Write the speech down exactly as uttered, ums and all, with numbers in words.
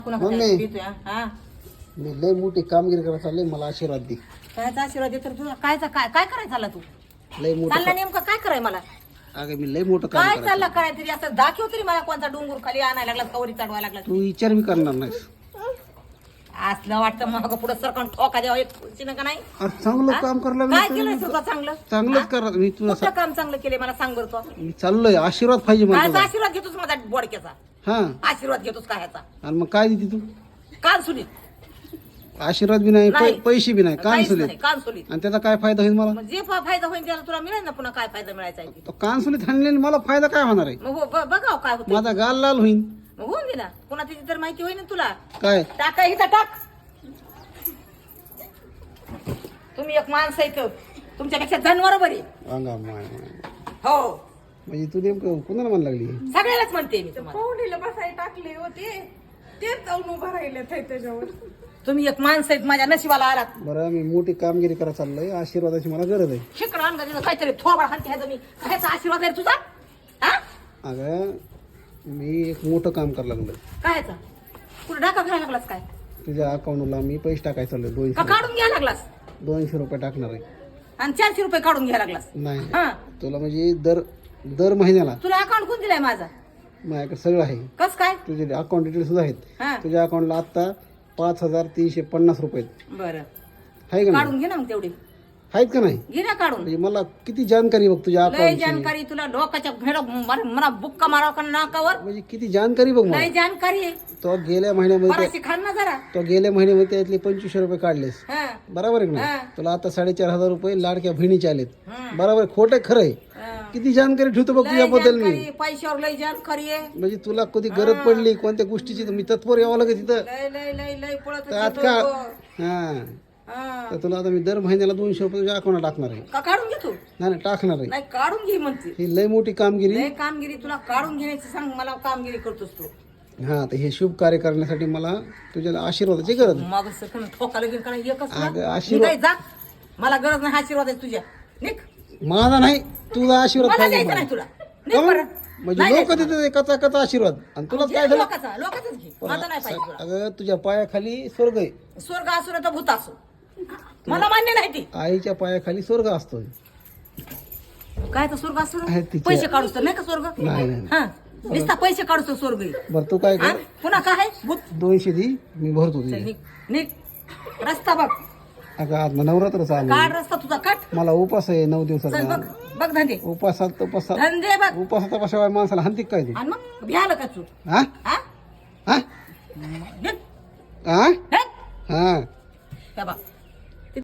Mummy मी लय मोठी कामगिरी करायला चालले, मला आशीर्वाद दे. कायचा आशीर्वाद देतो तुला? कायचा काय काय करायचं चालला तू? लय मोठं चालला नेमकं काय कराय मला? अगं मी लय मोठं काम काय करायचं. चालला कराय तरी असं दाखव तरी मला कोणता डोंगर खाली आणायला लागला, कवरी चढवायला लागला. तू विचार मी करणार नाहीस. असलं वाटतं मग पुढे सरकण ठोका द्यावा एक खुर्चीनं का नाही? अरे चांगलं काम करायला काय लागलं केलंय तर तुझं चांगलं? चांगलंच करणार मी तुला. कुठलं काम चांगलं केलंय मला सांग बरं तू. मी चाललोय, आशीर्वाद पाहिजे मला कायचा तुझा. आशीर्वाद घेतोस माझा बोडक्याचा? हा आशीर्वाद घेतोस काय ह्याचा? आणि मग काय देते तू? कान सुलीत आशीर्वाद बी नाही, नाही. पै- पैसे बी नाही, कान काहीच सुलीत. नाही, कान सुलीत. आणि त्याचा काय फायदा होईल मला? मग जे फा- फायदा होईल त्याला तुला मिळेल ना, पुन्हा काय फायदा मिळायचा आहे ते. तो कान सुलीत हाणलेली मला फायदा काय होणार आहे? मग हो ब- बघाव काय होतं. माझा गाल लाल होईल. मग होऊन दे ना, पुन्हा तिची तर माहिती होईल ना तुला. काय टाका इथं टाक. तुम्ही एक माणसं इथं तुमच्यापेक्षा जनावर बरी. अंगा माय माय. हो म्हणजे तू नेमकं कुणाला म्हणायला लागली? सगळ्यालाच म्हणते मी तुम्हाला. पाहुणीला बसाय टाकले होते ते जाऊन उभं राहिले त्याच्यावर. तुम्ही एक माणसं आहेत माझ्या नशिबाला आलात. बरं मी मोठी कामगिरी करायला चाललोय, आशीर्वादाची मला गरज आहे. शिकणं आणलं तिथं काहीतरी थोबा हाती ह्याचा मी कायचा आशीर्वाद आहे तुझा? हा अगं मी एक मोठं काम करायला लागलोय. कायचा? कुठं डाका घ्यायला लागलास काय? तुझ्या अकाउंटला मी पैसे टाकायला चाललोय. का दोनशे काढून घ्यायला लागलास? दोनशे रुपये टाकणार आहे. आणि चारशे रुपये काढून घ्यायला लागलास? नाही हा तुला म्हणजे दर दर महिन्याला तुला अकाउंट कोण दिलाय माझा? माझ्याकडे सगळं आहे. कस काय? तुझे अकाउंट डिटेल सुद्धा आहेत. हा तुझ्या अकाउंटला आता पाच हजार तीनशे पन्नास रुपये आहेत. बरं आहे का नाही? काढून घे ना मग तेवढे. आहेत का नाही? घे ना काढून. म्हणजे मला किती जानकारी बघ तुझ्या लय अकाउंटची. जानकारी तुला डोकाच्या घेड मला बुक्का माराव का नाकावर? म्हणजे किती जानकारी बघ मला. लय जानकारी आहे. तो गेल्या महिन्यामध्ये फराशी खान ना जरा. तो गेल्या महिन्यामध्ये त्यातले पंचवीसशे रुपये काढलेस. हा बरोबर आहे का हा. नाही? तुला आता साडेचार हजार रुपये लाडक्या बहिणीचे आलेत. हं. बरोबर आहे, खोटं आहे, खरं आहे. हा. किती जानकारी ठेवतो बघ लय तुझ्याबद्दल मी. जानकारी, पैशावर लय जानकारी आहे. म्हणजे तुला कधी गरज पडली कोणत्या गोष्टीची तर मी तत्पर यावं लागेल तिथं. लय लय लय लय पळत तर होती आज का लोकं. हा हा. तर तुला आता मी दर महिन्याला दोनशे रुपये तुझ्या अकाउंटला टाकणार आहे. का काढून घे तू? नाही नाही, टाकणार आहे. नाही काढून घे म्हणते. ही लय मोठी कामगिरी. लय कामगिरी तुला काढून घेण्याची सांग मला कामगिरी करतोस तू. हा तर हे शुभ कार्य करण्यासाठी मला तुझ्या आशीर्वादाची गरज आहे. मग सगळं ठोकाला घेऊन का एकच तुला? अगं, आशीर्वाद- निघाय जा. मला गरज नाही आशीर्वाद आहे तुझ्या. निघ. माझा नाही तुझा आशीर्वाद मला पाहिजे द्यायचं मला. नाही तुला. निघ काहून? बरं. म्हणजे नाही लोक द्यायचं देतात कचा कचा आशीर्वाद आणि तुलाच घे काय झालं? लोकाचा लोकाचाच घे. माझा नाही पाहिजे तुला. अगं तुझ्या पायाखाली स्वर्ग आहे. स्वर्ग असो ना तर भूत असो मला मान्य नाही ती. आईच्या पायाखाली स्वर्ग असतो. काय तर स्वर्ग असतो आहे ना? तिच्या- पैसे काढूस तर नाही का स्वर्ग? नाही, नाही. हा नुसता पैसे काढूस तर स्वर्ग आहे. बरं तू काय हा? कर, पुन्हा काय आहे? भूत. दोनशे दी मी भरतो चल, तुझे. निघ निघ. रस्ता बघ. अगं आज नवरात्र चालू काढ रस्ता तुझा काट. मला उपास आहे नऊ चल बघ दिवसाचा. बघ धंदे उपासात उपासात धंदे बघ. उपासाचा कशा माणसाला हंतिक काय तू? आणि मग भ्यालं का तू? हा हा हा निघ. हा निघ. हा हे बघ